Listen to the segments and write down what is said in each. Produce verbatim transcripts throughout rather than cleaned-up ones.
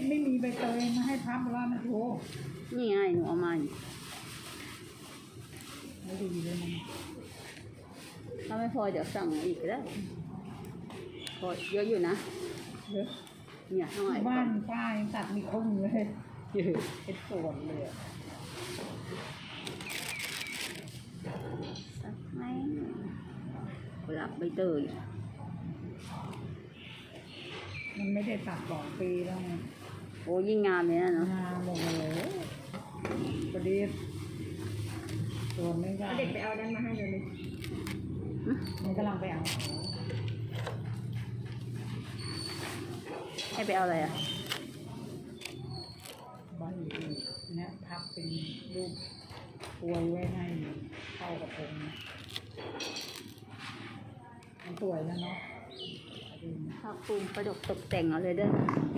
ไม่มีใบเตยมาให้พับแล้วนะโถนี่ไงหนูเอามาไม่ดีเลยมันถ้าไม่พอเดี๋ยวสั่งอีกก็ได้พอเยอะอยู่นะเยอะเนี่ยเท่าไหร่บ้านป้ายังตัดมีครึ่งเลยเป็นส่วนเลยสักไหมกุหลาบใบเตยมันไม่ได้ตัดสองปีแล้วไงโอ้ยิ่งงามเลยนะเนาะงามหมดเลยประเดี๋ยวตัวไม่ได้เด็กไปเอาดันมาให้เลยมันกำลังไปเอาให้ไปเอาอะไรอ่ะบ้านอื่นเนี่ยพับเป็นรูปปวยไว้ให้เข้ากับผมมันสวยนะเนาะผ้าคลุมประดับตกแต่งเอาเลยเด้อ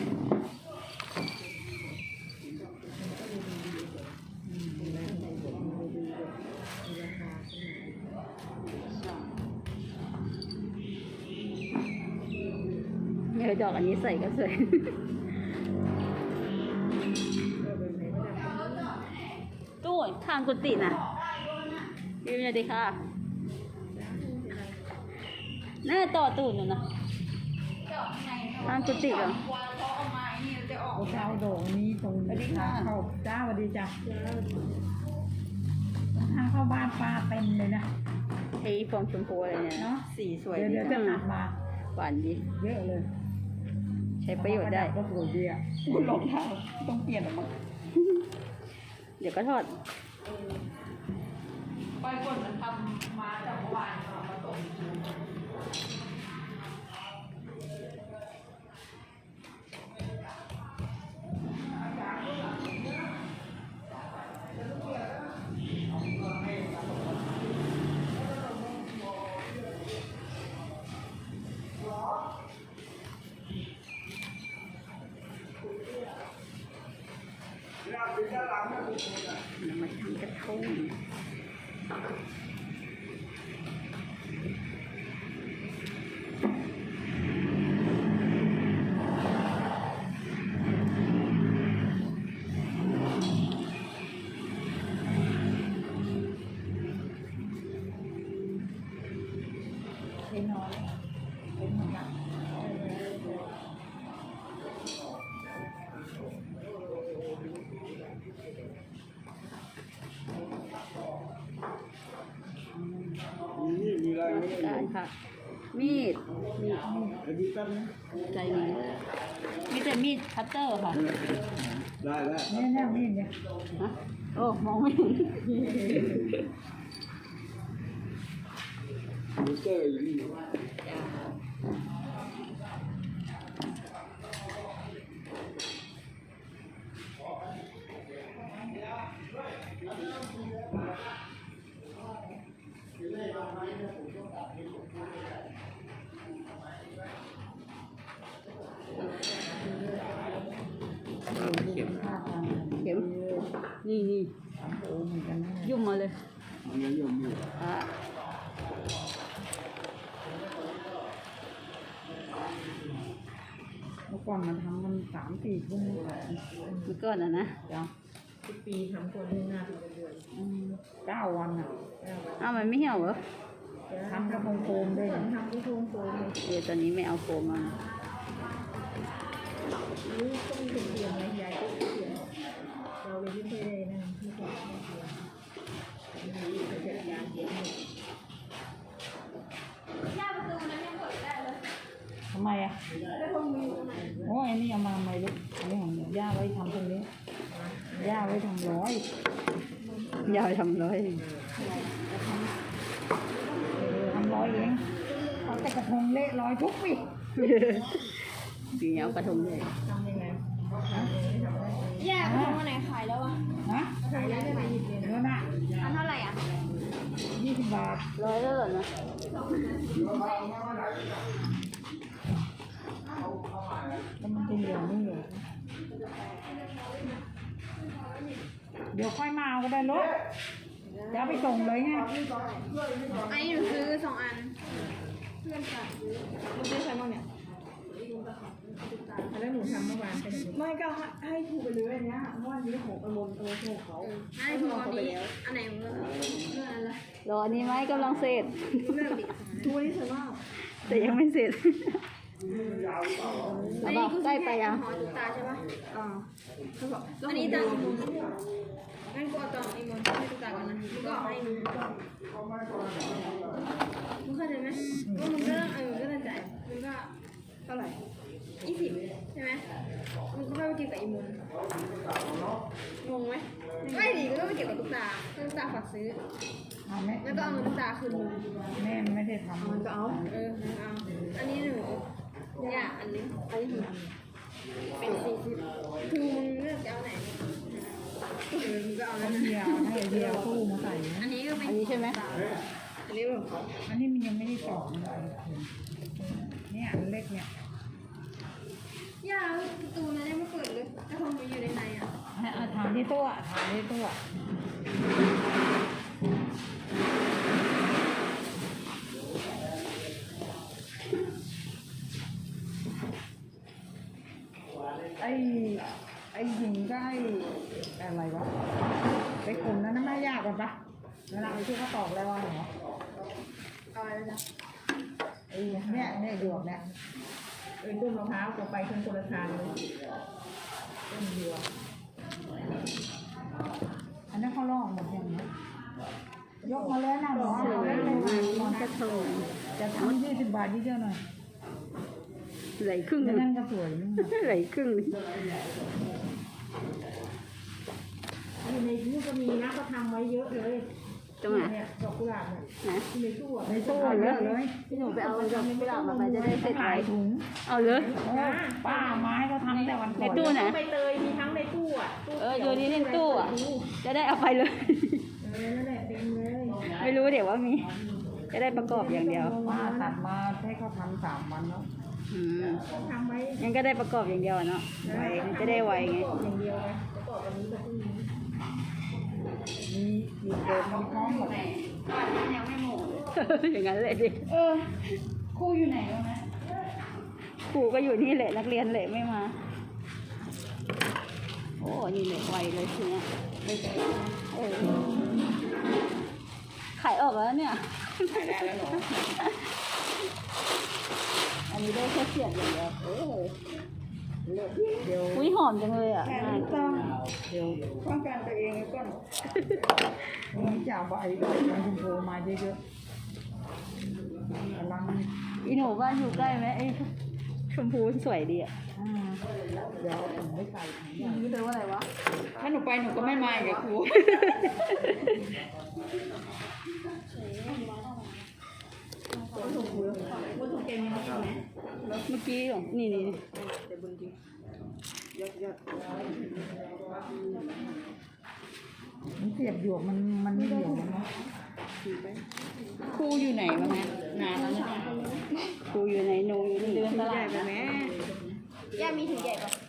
เนี่ยดอกอันนี้ใส่ก็สวยตู้ข้างกุฏิน่ะยืนเลยดิค่ะน่าต่อตูดหนูนะข้างกุฏิเหรอโอ้เจ้าโด่งนี้ตรงทางเข้าจ้าสวัสดีจ้ะทางเข้าบ้านปลาเต็มเลยนะไอ้ฟองชมพูอะไรเนี่ยเนาะสีสวยเดี๋ยวจะหักมาหวานดีเยอะเลยใช้ประโยชน์ได้ก็สวยดีอ่ะคุณรองเท้าต้องเปลี่ยนออกมาเดี๋ยวก็ทอดไปก่อนมันทำมาจากเมื่อวานมาตกเรามาทำกระทงเล็กน้อยเล็กเหมือนกันนี่มีอะไรไหมการค่ะมีดมีดมีดแป๊บนึงใจมีมีแต่มีดคัตเตอร์ค่ะได้แล้วเนี่ยเนี่ยมีดเนี่ยฮะโอ้มองไม่เห็นมิเตอร์อยู่นี่เข็มเข็มนี่นี่ยุ่มมาเลยมันยังยุ่มอยู่อ่ะเมื่อก่อนมันทำมันสามสี่ทุ่มเมื่อก่อนอ่ะนะจ้ะทุกปีทำคนที่หน้าเป็นเดือนเก้าวันอ่ะอ้าวมันไม่เหี่ยวเหรอทำกระพงโฟมด้วยทำกระพงโฟมเดี๋ยวตอนนี้ไม่เอาโฟมมานี่ต้องเป็นเปลี่ยนไหมยายก็เปลี่ยนเราเลยที่เคยได้นะที่เคยได้เปลี่ยนนี่จะยาเย็นย่าประตูนั้นยังเปิดได้เลยทำไมอ่ะโอ้ยนี่เอามาใหม่ลูกอันนี้ของย่าไว้ทำตรงนี้ย่าไว้ทำร้อยย่าไว้ทำร้อยทำร้อยเองเอาแต่กระทงเละร้อยทุกปีปีนี้เอากระทงเลยทำยังไงแย่กระทงวันไหนขายแล้วอ่ะฮะขายได้ไหมเนื้อหน้าอันเท่าไหร่อ่ะยี่สิบบาทร้อยแล้วเหรอนะแล้วมันจะเหลือไม่เหลือเดี๋ยวค่อยมาเอาก็ได้ลูกเดี๋ยวไปส่งเลยไงอันนี้หนูซื้อสองอันเพื่อนฝากซื้อหนูซื้อใครบ้างเนี่ยแล้วหนูทำเมื่อวานเป็นยังไงไม่ก็ให้ถูกไปเลยอันเนี้ยเพราะอันนี้ของอมนเออของเขาให้ถูกอันนี้อันไหนมันเรื่องอะไรรออันนี้ไหมกำลังเสร็จเรื่องดิทูนี่สวยมากแต่ยังไม่เสร็จอันนี้ก็ใกล้ไปอ่ะหอตุ๊กตาใช่ปะอ่าอันนี้ตังอีมนงั้นกูเอาตังอีมนให้ตุ๊กตาก่อนนะมึงก็เอาให้มึงมึงเข้าใจไหมว่ามึงก็ต้องเออก็ต้องจ่ายมึงก็เท่าไหร่ยี่สิบใช่ไหมมึงก็ค่อยไปเกี่ยวกับอีมนงงไหมไม่ดิก็ต้องไปเกี่ยวกับตุ๊กตาตุ๊กตาฝากซื้อเอาแม่แล้วก็เอาเงินตุ๊กตาคืนมึงแม่ไม่ได้ทำมันก็เอาเออเอาอันนี้หนูเนี่ยอันนี้อันนี้ถึงเป็นสี่สิบคือมึงเลือกจะเอาไหนเออมึงก็เอาแล้วเดียวให้เดียวคู่มาใส่อันนี้ก็เป็นอันนี้ใช่ไหมอันนี้แบบอันนี้มันยังไม่ได้ต่อเลยเนี่ยอันเล็กเนี่ยย่าประตูนั้นยังไม่เปิดเลยแต่คงมันอยู่ในในอ่ะให้เอาถามที่ตัวถามที่ตัวไอ้ไอ้หญิงก็ไอ้อะไรวะไอ้กลุ่มนั้นน่ะไม่ยากกว่าปะเวลาไอ้ที่เขาตอกแล้วว่าเหรอเอาอะไรนะไอ้เนี่ยเนี่ยดวกเนี่ยเอ็นต้นมะพร้าวก็ไปทั้งคนละทางเลยต้นเดียวอันนั้นเขาลอกหมดอย่างนี้ยกมาแล้วนะหมอเอาไว้เลยหมอนกระทงจะทำยี่สิบบาทยี่เดียวหน่อยไหลครึ่งหไม่นึ่งนั่นก็สวยนี่ไหลครึ่งหนึ่งอยู่ในตู้ก็มีนะเขาทำไว้เยอะเลยตรงไหนเนี่ยดอกกุหลาบเนี่ยนะอยู่ในตู้อะในตู้เยอะเลยพี่หนูไปเอาดอกกุหลาบมาไปจะได้เสร็จขายไว้ถุงเอาเลยโอ้ป้าไม้เขาทำแต่วันก่ในอนตู้ไหนใบเตยมีทั้งในตู้อ่ะตู้เออโยนนี้ในตู้อ่ะ จะได้เอาไปเลยเออนั่นแหละเต็มเลยไม่รู้เดี๋ยวว่ามี จะได้ประกอบอย่างเดียวป้าตัดมาให้เขาทำสามวันแล้วอืมทำไว้งั้นก็ได้ประกอบอย่างเดียวอะเนาะไวจะได้ไวไงอย่างเดียวไงจะบอกวันนี้กับพรุ่งนี้มีมีเกิดมีพร้อมหมดอย่างนั้นเลยดิเออครูอยู่ไหนวะนะครูก็อยู่นี่แหละนักเรียนแหละไม่มา โอ้นี่แหละไวเลยทีเนี้ยเออขายออกแล้วเนี่ยขายได้แล้วเหรออันนี้ได้แค่เสียบอย่างเดียวเออเดี๋ยวอุ้ยหอมจังเลยอ่ะแค่นี้ต้องเดี๋ยวป้องกันตัวเองไว้ก่อนวันนี้จะเอาใบดอกไม้ชมพูมาเยอะๆกำลังอีหนูบ้านอยู่ใกล้ไหมไอ้ชมพูสวยดีอ่ะอ่าเดี๋ยวเอาถุงไม่ใส่ถุงใหญ่นี่แปลว่าอะไรวะถ้าหนูไปหนูก็ไม่มากับครูเมื่อกี้เหรอนี่นี่มันเสียบหยวกมันมันไม่เหี่ยวมันเนาะครูอยู่ไหนวะแม่นานแล้วเนี่ยครูอยู่ไหนหนูอยู่นี่เดินตลาดไปแม่ย่ามีถุงใหญ่ปะ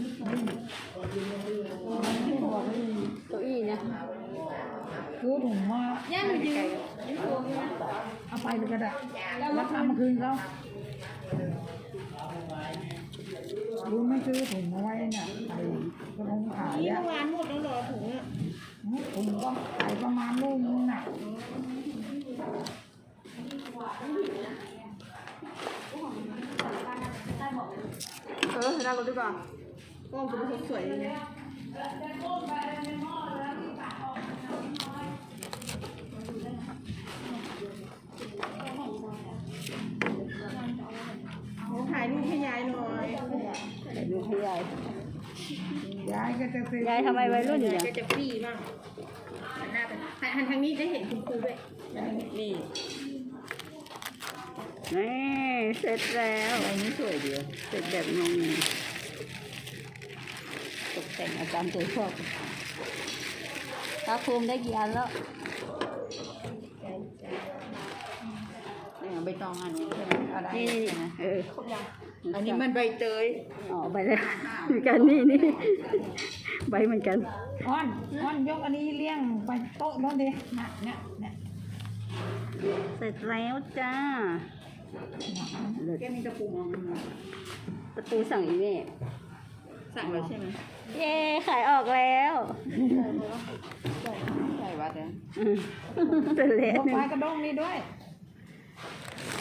เก้าอี้เนี่ยซื้อถุงมาย่าหนูยืนเอาไปเลยก็ได้แล้วทำมาคืนเขารู้ไม่ซื้อถุงมาไว้เนี่ยไอ้กระพงขายนี่อ่ะเมื่อวานหมดแล้วเหรอถุงอ่ะถุงก็ขายประมาณลูกนึงน่ะเออเราดีกว่าก็คุณผู้ชมสวยดีนะเขาถ่ายรูปให้ยายหน่อยแต่ดูให้ยายยายก็จะซื้อยายทำไมวัยรุ่นอยู่เนี่ยก็จะฟรีบ้างหันหน้าไปหันหันทางนี้ได้เห็นคุณครูด้วยนี่นี่เสร็จแล้วอันนี้สวยดีเสร็จแบบงงตกแต่งอาจารย์ตัวชอบพระภูมิได้กี่อันแล้วใบตองอันนี้ใช่ไหมอะไรนี่นี่นี่เอออันนี้มันใบเตยอ๋อใบแล้วเหมือนกันนี่นี่ใบเหมือนกันอ้อนอ้อนยกอันนี้เลี้ยงไปโต๊ะโน้นดิน่ะเนี่ยเนี่ยเสร็จแล้วจ้าแกมีตะปูมองตะปูสั่งอีเม่สั่งแล้วใช่ไหมเย้ขายออกแล้วใส่ใส่วัดเนี่ยอืมเป็นเละพวกหนึ่ไม้งกระด้งนี่ด้วยอ